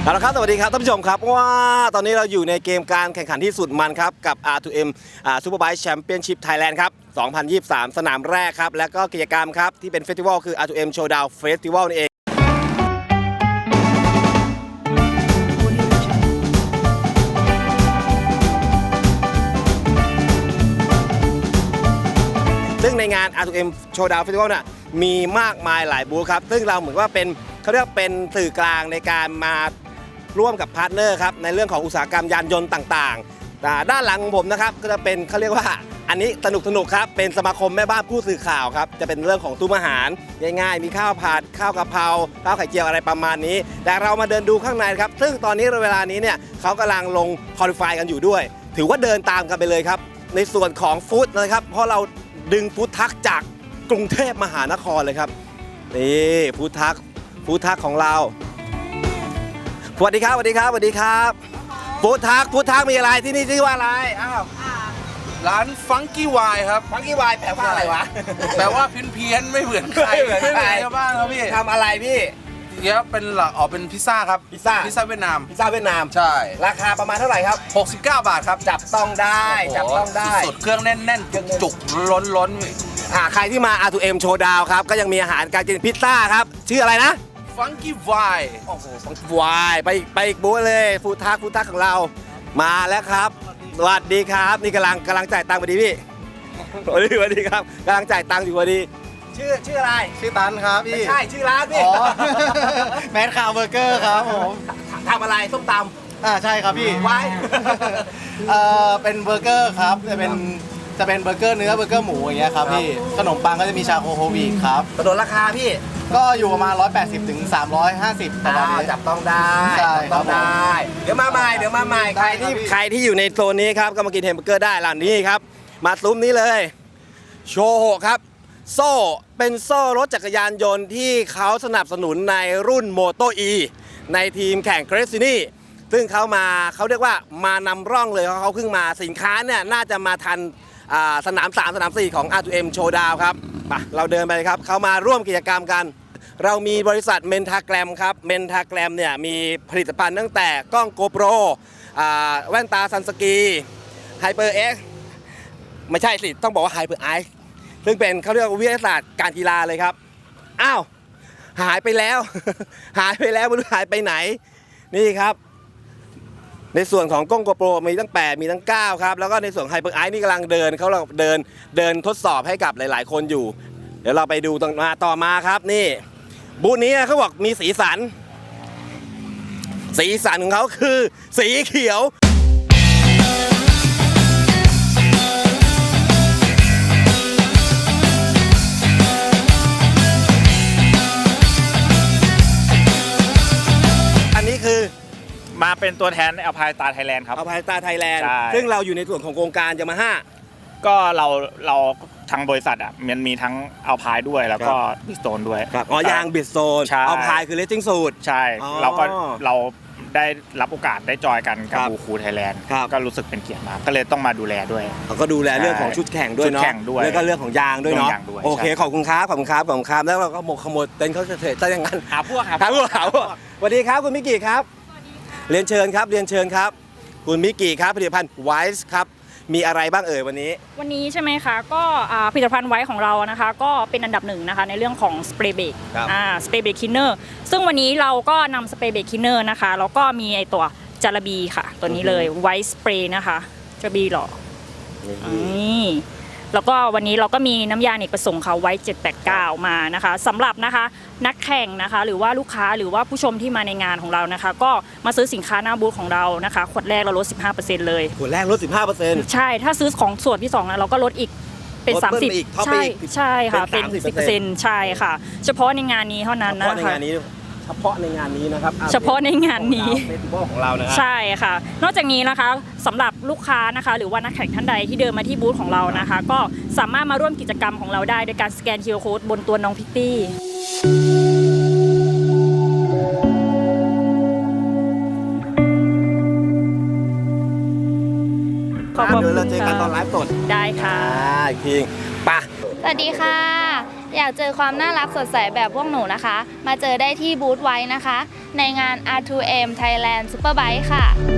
เอาละครับสวัสดีครับท่านผู้ชมครับว่าตอนนี้เราอยู่ในเกมการแข่งขันที่สุดมันครับกับ R2M Superbike Championship Thailand ครับ 2023 สนามแรกครับและก็กิจกรรมครับที่เป็นเฟสติวัลคือ R2M Showdown Festival นี่เองซึ่งในงาน R2M Showdown Festival น่ะมีมากมายหลายบูธครับซึ่งเราเหมือนว่าเป็นเขาเรียกเป็นสื่อกลางในการมาร่วมกับพาร์ทเนอร์ครับในเรื่องของอุตสาหกรรมยานยนต์ต่างๆด้านหลังของผมนะครับก็จะเป็นเขาเรียกว่าอันนี้สนุกครับเป็นสมาคมแม่บ้านผู้สื่อข่าวครับจะเป็นเรื่องของตู้อาหารง่ายๆมีข้าวผัดข้าวกะเพราข้าวไข่เจียวอะไรประมาณนี้แต่เรามาเดินดูข้างในครับซึ่งตอนนี้เวลานี้เนี่ยเขากำลังลงคอลิฟายกันอยู่ด้วยถือว่าเดินตามกันไปเลยครับในส่วนของฟู้ดนะครับเพราะเราดึงฟู้ดทักจากกรุงเทพมหานครเลยครับนี่ฟู้ดทักของเราสวัสดีครับฟู้ดทักมีอะไรที่นี่ชื่อว่าอะไรอ้าวร้านฟังกี้วายครับฟังกี้วายแปลว่าอะไรวะแปลว่าเพี้ยนไม่เหมือนใครไม่เหมือนชาวบ้านครับพี่ทำอะไรพี่เดี๋ยวเป็นเป็นพิซซ่าครับพิซซ่าเวียดนามใช่ราคาประมาณเท่าไหร่ครับ 69 บาทครับจับต้องได้สุดเครื่องแน่นจุกล้นใครที่มา R2M Showdown ครับก็ยังมีอาหารการกินพิซซ่าครับชื่ออะไรนะฟังกี้วายโอ้โหฟังกี้วายไปอีกบูธเลยฟู้ดทักของเรามาแล้วครับสวัสดีครับนี่กำลังจ่ายตังค์พอดีพี่สวัสดีครับกำลังจ่ายตังค์อยู่พอดีชื่ออะไรชื่อตันครับพี่ไม่ใช่ชื่อร้านพี่แมดคาวเบอร์เกอร์ครับผมทำอะไรส้มตำใช่ครับพี่ไว้เป็นเบอร์เกอร์ครับจะเป็นเบอร์เกอร์เนื้อเบอร์เกอร์หมูอย่างเงี้ยครับพี่ขนมปังก็จะมีชาโคโฮวีครับกระโดดราคาพี่ก็อยู่ประมาณ180 ถึง 350ประมาณนี้จับต้องได้เดี๋ยวมาใหม่ใครที่อยู่ในโซนนี้ครับก็มากินแฮมเบอร์เกอร์ได้ร้านนี้ครับมาซุ้มนี้เลยโชโฮครับโซ่เป็นโซ่รถจักรยานยนต์ที่เขาสนับสนุนในรุ่นโมโตอีในทีมแข่งเกรซินี่ซึ่งเขาเรียกว่ามานำร่องเลยเขาเพิ่งมาสินค้าเนี่ยน่าจะมาทันสนาม3สนาม4ของ R2M Showdown ครับเราเดินไปครับเขามาร่วมกิจกรรมกันเรามีบริษัทเมนทาแกรมครับเมนทาแกรมเนี่ยมีผลิตภัณฑ์ตั้งแต่กล้อง GoPro แว่นตาซันสกี HyperX ไม่ใช่สิต้องบอกว่า HyperX ซึ่งเป็นเขาเรียกว่าวิทยาศาสตร์การกีฬาเลยครับอ้าวหายไปแล้วไม่รู้หายไปไหนนี่ครับในส่วนของกล้อง GoPro มีตั้ง8มีตั้ง9ครับแล้วก็ในส่วน HyperX นี่กำลังเดินทดสอบให้กับหลายๆคนอยู่เดี๋ยวเราไปดูต่อมาครับนี่บูธนี้เขาบอกมีสีสันของเขาคือสีเขียวอันนี้คือมาเป็นตัวแทนอัลพายตาไทยแลนด์ครับอัลพายตาไทยแลนด์ซึ่งเราอยู่ในส่วนของโครงการยามาฮ่าก็เราทางบริษัทมันมีทั้งอัลพายด้วยแล้วก็บิสโตนด้วยยางบิสโตนอัลพายคือเลสซิ่งสูตรใช่เราได้รับโอกาสได้จอยกันกับบูคูไทยแลนด์ก็รู้สึกเป็นเกียรติมากก็เลยต้องมาดูแลด้วยเขาก็ดูแลเรื่องของชุดแข่งด้วยเนาะแล้วก็เรื่องของยางด้วยเนาะโอเคขอบคุณครับแล้วเราก็ขโมยเต็นท์เขาเถิดซะอย่างนั้นหาพวกสวัสดีครับคุณมิกิครับเรียนเชิญครับคุณมิกิครับผลิตภัณฑ์ไวส์ครับมีอะไรบ้างวันนี้ใช่ไหมคะก็ผลิตภัณฑ์ไว้ของเรานะคะก็เป็นอันดับหนึ่งนะคะในเรื่องของสเปรย์เบรกสเปรย์เบรกคินเนอร์ซึ่งวันนี้เราก็นำสเปรย์เบรกคินเนอร์นะคะแล้วก็มีไอตัวจาระบีค่ะตัวนี้เลยไวท์สเปรย์นะคะจาระบีหรอนี่แล้วก็วันนี้เราก็มีน้ำยาเนกประสงค์ค่ะไว้789มานะคะสำหรับนะคะนักแข่งนะคะหรือว่าลูกค้าหรือว่าผู้ชมที่มาในงานของเรานะคะก็มาซื้อสินค้าหน้าบูธของเรานะคะขวดแรกเราลด 15% เลยขวดแรกลด 15% ใช่ถ้าซื้อของส่วนที่2นะเราก็ลดอีกเป็น30ใช่ค่ะเป็น 10% ใช่ค่ะเฉพาะในงานนี้เท่านั้นนะคะเฉพาะในงานนี้นะครับเฉพาะในงานนี้เฟสติวัลของเรานะครับใช่ค่ะนอกจากนี้นะคะสำหรับลูกค้านะคะหรือว่านักแข่งท่านใดที่เดินมาที่บูธของเรานะคะก็สามารถมาร่วมกิจกรรมของเราได้โดยการสแกน QR Code บนตัวน้องพิตตี้เดี๋ยวเราเจอกันตอนไลฟ์สดได้ค่ะอีกทีปะสวัสดีค่ะอยากเจอความน่ารักสดใสแบบพวกหนูนะคะมาเจอได้ที่บูธไว้นะคะในงาน R2M Thailand Superbike ค่ะ